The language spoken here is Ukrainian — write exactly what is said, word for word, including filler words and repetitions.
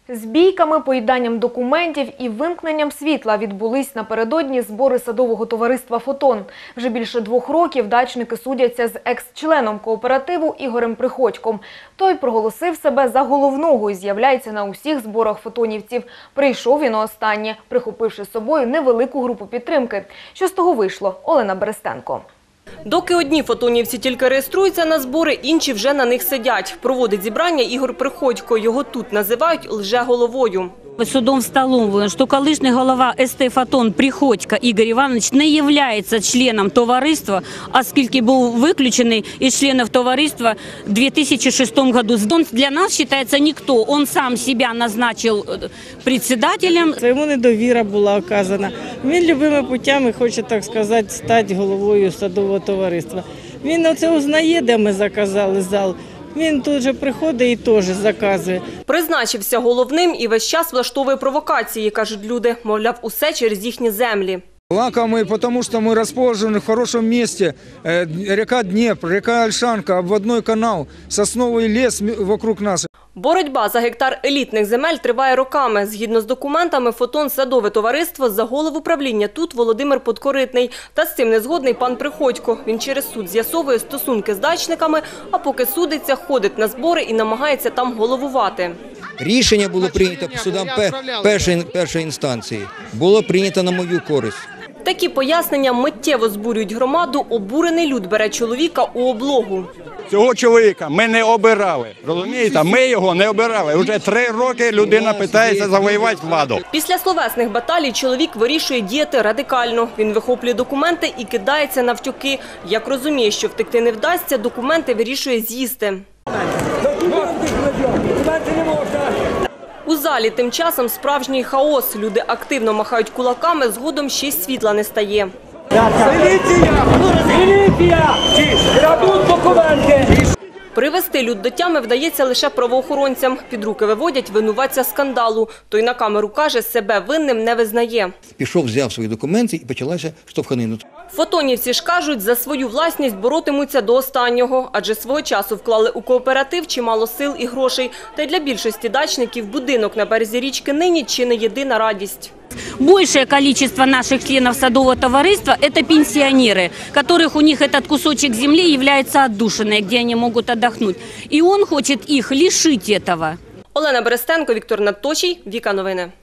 З бійками, поїданням документів і вимкненням світла відбулись напередодні збори садового товариства «Фотон». Вже більше двох років дачники судяться з екс-членом кооперативу Ігорем Приходьком. Той проголосив себе за головного і з'являється на усіх зборах фотонівців. Прийшов він останнє, прихопивши з собою невелику групу підтримки. Що з того вийшло? Олена Берестенко. Доки одні фотонівці тільки реєструються на збори, інші вже на них сидять. Проводить зібрання Ігор Приходько. Його тут називають лже-головою. Судом встановлено, що колишній голова ес-те «Фотон» Приходько Ігор Іванович не є членом товариства, оскільки був виключений із членів товариства у дві тисячі шостому році. Він для нас вважається ніхто. Він сам себе назначив председателем. Йому недовіра була оказана. Він любими путями хоче, так сказати, стати головою садового товариства. Він оце узнає, де ми заказали зал. Він тут же приходить і теж заказує. Призначився головним і весь час влаштовує провокації, кажуть люди. Мовляв, усе через їхні землі. Лакомый, потому что мы расположены в хорошем месте. Река Днепр, река Ольшанка, обводной канал, сосновый лес вокруг нас. Боротьба за гектар елітних земель триває роками. Згідно з документами, «Фотон» – садове товариство, за голову правління тут Володимир Подкоритний. Та з цим не згодний пан Приходько. Він через суд з'ясовує стосунки з дачниками, а поки судиться, ходить на збори і намагається там головувати. Рішення було прийнято судом першої, першої інстанції. Було прийнято на мою користь. Такі пояснення миттєво збурюють громаду. Обурений люд бере чоловіка у облогу. Цього чоловіка ми не обирали, розумієте? Ми його не обирали. Уже три роки людина питається завоювати владу. Після словесних баталій чоловік вирішує діяти радикально. Він вихоплює документи і кидається навтюки. Як розуміє, що втекти не вдасться, документи вирішує з'їсти. У залі тим часом справжній хаос. Люди активно махають кулаками, згодом ще й світла не стає. Привести люд до тями вдається лише правоохоронцям. Під руки виводять винуватця скандалу. Той на камеру каже, себе винним не визнає. Пішов, взяв свої документи і почалася штовханина. Фотонівці ж кажуть, за свою власність боротимуться до останнього. Адже свого часу вклали у кооператив чимало сил і грошей. Та й для більшості дачників будинок на березі річки нині чи не єдина радість. Большее количество наших членов садового товариства – это пенсионеры, которых у них этот кусочек земли является отдушиной, где они могут отдохнуть. И он хочет их лишить этого. Олена Берестенко, Віктор Надточій, Віка Новини.